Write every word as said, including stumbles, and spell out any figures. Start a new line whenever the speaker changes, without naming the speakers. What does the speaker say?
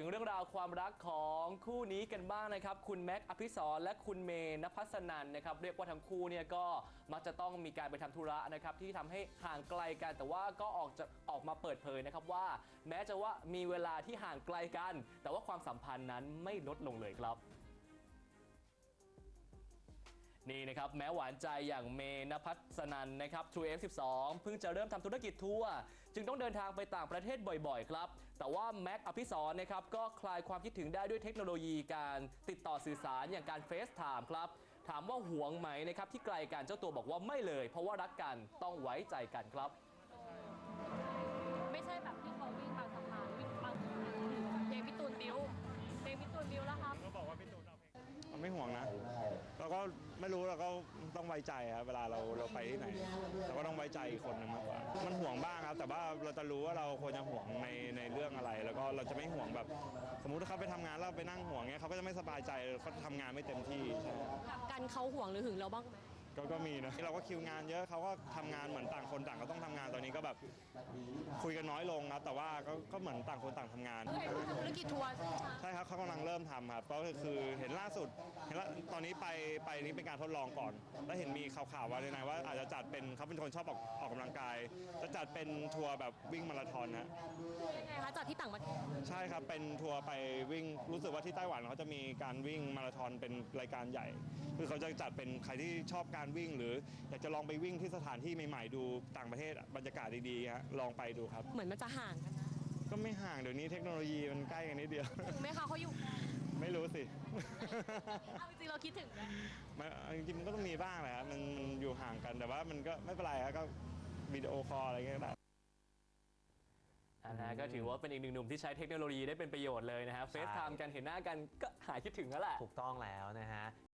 เรื่องราวความรักของคู่นี้กันบ้างนะครับคุณแม็กซ์อภิสรและคุณเมย์ณภัสนันนะครับเรียกว่าทั้งคู่เนี่ยก็มักจะต้องมีการไปทำธุระนะครับที่ทำให้ห่างไกลกันแต่ว่าก็ออกจะออกมาเปิดเผยนะครับว่าแม้จะว่ามีเวลาที่ห่างไกลกันแต่ว่าความสัมพันธ์นั้นไม่ลดลงเลยครับนี่นะครับแม้หวานใจอย่างเมย์ณภัสนันนะครับ ทรู เอฟ สิบสอง เพิ่งจะเริ่มทำธุรกิจทัวร์จึงต้องเดินทางไปต่างประเทศบ่อยๆครับแต่ว่าแม็กอภิสรนะครับก็คลายความคิดถึงได้ด้วยเทคโนโลยีการติดต่อสื่อสารอย่างการเฟซไทม์ครับถามว่าหวงไหมนะครับที่ไกลกันเจ้าตัวบอกว่าไม่เลยเพราะว่ารักกันต้องไว้ใจกันครับ
ไม่ใช่แบบที่เขาวิ่งบางสะพานวิ่งบางเพลงพี่ตูนบิวเพลงพี่ตูนบิวแล้วครับ
ก็บอกว่าพี่ตูนเอาเพลงมันไม่ห่วงนะเราก็ไม่รู้เราก็ต้องไว้ใจครับเวลาเราเราไปที่ไหนเราก็ต้องไว้ใจอีกคนนึงมากกว่ามันห่วงบ้างครับแต่ว่าเราจะรู้ว่าเราควรจะห่วงในในเรื่องอะไร แล้วก็เราจะไม่ห่วงแบบสมมุติถ้าเขาไปทำงานแล้วไปนั่งห่วงเงี้ยเขาก็จะไม่สบายใจเขาทำงานไม่เต็มที่ใช่
กันเขาห่วงหรือหึงเราบ้างไหม
ก็ก็มีนะเราก็คิวงานเยอะเขาก็ทำงานเหมือนต่างคนต่างก็ต้องทำงานตอนนี้ก็แบบคุยกันน้อยลงครับแต่ว่าก็ก็เหมือนต่างคนต่างทำงาน
ธุรกิจทัวร์
ใช่ครับเขากำลังเริ่มทำครับก็คือเห็นล่าสุดเห็นแล้วตอนนี้ไปไปนี้เป็นการทดลองก่อนแล้วเห็นมีข่าวๆว่าในไหนว่าอาจจะจัดเป็นเขาเป็นคนชอบออกออกกำลังกายจะจัดเป็นทัวร์แบบวิ่งมาราธอนนะ
ยังไงคะจัดที่ต่างประเทศ
ใช่ครับเป็นทัวร์ไปวิ่งรู้สึกว่าที่ไต้หวันเขาจะมีการวิ่งมาราธอนเป็นรายการใหญ่คือเขาจะจัดเป็นใครที่ชอบการวิ่งหรืออยากจะลองไปวิ่งที่สถานที่ใหม่ๆดูต่างประเทศบรรยากาศดีๆฮะลองไปดูครับ
เหมือนมันจะห่างกันนะ
ก็ไม่ห่างเดี๋ยวนี้เทคโนโลยีมันใกล้กันนิดเดียว
ถึงไหมคะเขาอยู่
ไม่รู้สิ
เอาจริงเราคิดถึงไหม
จริงๆมันก็ต้องมีบ้างแหละครับมันอยู่ห่างกันแต่ว่ามันก็ไม่เป็นไรครับก็วิดีโอคอลอะไรเงี้ยได้
อันนั้นก็ถือว่าเป็นอีกหนึ่งหนุ่มที่ใช้เทคโนโลยีได้เป็นประโยชน์เลยนะฮะเฟซไทม์กันเห็นหน้ากันก็หายคิดถึงแล้วแหละ
ถูกต้องแล้วนะฮะ